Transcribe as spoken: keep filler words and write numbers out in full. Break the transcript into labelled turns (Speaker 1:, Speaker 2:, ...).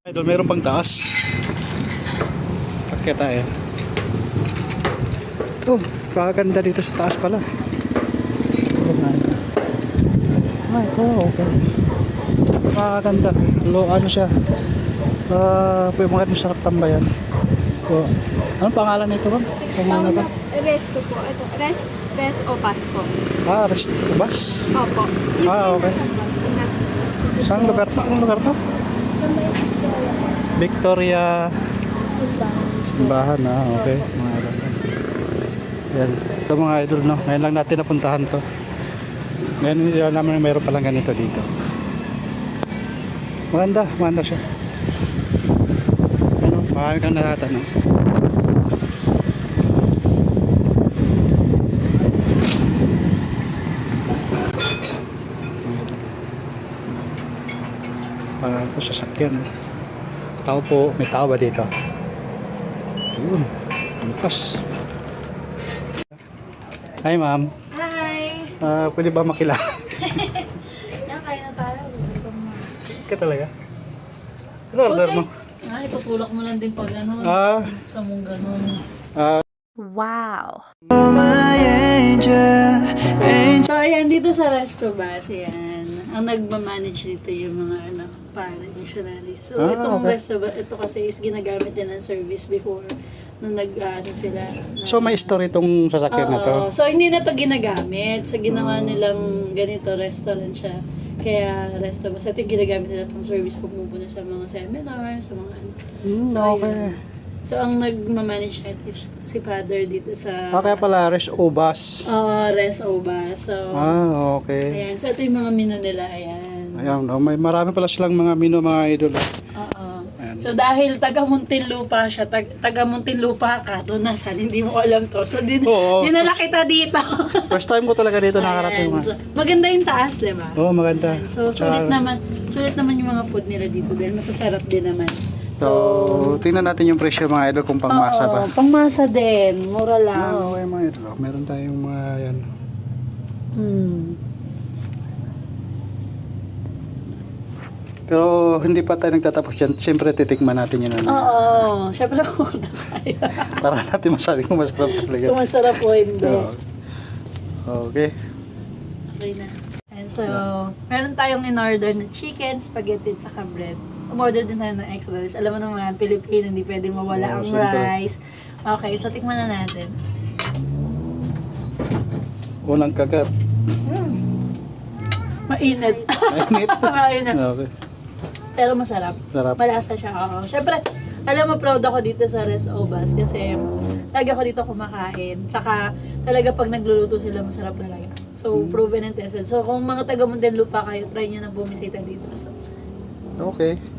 Speaker 1: Idol, meron pang taas. Pakita tayo. Oh, kaganda dito sa taas pala. Ah, ito, okay. Kaganda. Lo, ano siya? Ah, uh, mga masarap tambayan. So, anong pangalan nito ba? Pangalan ba?
Speaker 2: Resto po. Ito, rest, rest o pass po.
Speaker 1: Ah, rest bus?
Speaker 2: Opo. Yung
Speaker 1: Ah, okay. Saan lugar to? Anong lugar to? Victoria Simbahan, ah, okay. Mga idol. Yan. Ito mga idol, no? Ngayon lang natin napuntahan to. Ngayon hindi lang naman mayroon palang ganito dito. Maganda, maganda siya. Ano, marami kang natatanong. Para ito sasakyan. Tao po, may tao ba dito? Ayun, angkas. Hi ma'am.
Speaker 2: Hi!
Speaker 1: Uh, pwede ba makilala?
Speaker 2: Yan, kain na tayo.
Speaker 1: Ka talaga? Ano order mo?
Speaker 3: Ah, itutulak mo lang din pag ano,
Speaker 1: Ah,
Speaker 3: sa mong ganun.
Speaker 1: ah,
Speaker 2: Wow!
Speaker 3: So, ayan, dito sa Resto Bus, ayan, ang nagmamanage dito yung mga, ano, pare, missionaries. So,
Speaker 1: Ah,
Speaker 3: itong
Speaker 1: okay.
Speaker 3: Resto Bus, ito kasi is ginagamit din ng service before nung nag, uh, ano sila.
Speaker 1: so may story itong sasakyan na to.
Speaker 3: Oo. So, hindi na to ginagamit. So, ginawa nilang ganito, restaurant siya. Kaya, Resto Bus. Ito yung ginagamit nila pang service pagmumuna sa mga seminar, sa mga ano.
Speaker 1: Hmm,
Speaker 3: So,
Speaker 1: okay.
Speaker 3: yun. So, ang nagmamanage net is si Father dito sa...
Speaker 1: Ah, kaya pala, Res Obas.
Speaker 3: Oo, Res Oba. So,
Speaker 1: Ah, okay.
Speaker 3: ayan. So, ito yung mga menu nila. Ayan.
Speaker 1: Ayan, no? May marami pala silang mga mino, mga idol. ah.
Speaker 3: Oo.
Speaker 1: Ayan.
Speaker 3: So, dahil taga Muntinlupa siya, tag, taga Muntinlupa ka, doon na saan, hindi mo alam to. So, din,
Speaker 1: Oo.
Speaker 3: dinala kita dito.
Speaker 1: First time ko talaga dito nakarating.
Speaker 3: Ayan. So, maganda yung taas, di ba?
Speaker 1: Oo, oh, maganda.
Speaker 3: So, sulit naman, sulit naman yung mga food nila dito dahil masasarap din naman.
Speaker 1: So, tingnan natin yung presyo mga idol kung pangmasa ba.
Speaker 3: Oo, pangmasa din. Mura lang.
Speaker 1: Ah, okay mga idol. Oh, meron tayong mga yan.
Speaker 3: Hmm.
Speaker 1: Pero hindi pa tayo nagtatapos yan. Siyempre titikman natin yun. Ano,
Speaker 3: Oo, syempre muna tayo.
Speaker 1: para natin masabi kung masarap talaga.
Speaker 3: Kung masarap o hindi.
Speaker 1: Oo. Okay.
Speaker 3: Okay na. And so, meron tayong in-order na chicken, spaghetti, at saka bread. Umorder din tayo ng extra rice. Alam mo naman, Pilipino, hindi pwedeng mawala
Speaker 1: Oo,
Speaker 3: ang
Speaker 1: siyempre.
Speaker 3: rice. Okay, so tikman na natin.
Speaker 1: Unang kagat.
Speaker 3: Mainit.
Speaker 1: Mainit.
Speaker 3: Mainit.
Speaker 1: Okay.
Speaker 3: Pero masarap.
Speaker 1: Sarap.
Speaker 3: Malasa siya. Oo. Siyempre, alam mo, proud ako dito sa Res Obas kasi talaga ako dito kumakain. Saka, talaga pag nagluluto sila, masarap talaga. So,
Speaker 1: Hmm.
Speaker 3: proven and tested. So, kung mga taga Muntinlupa kayo, try nyo na bumisita dito. So,
Speaker 1: Okay.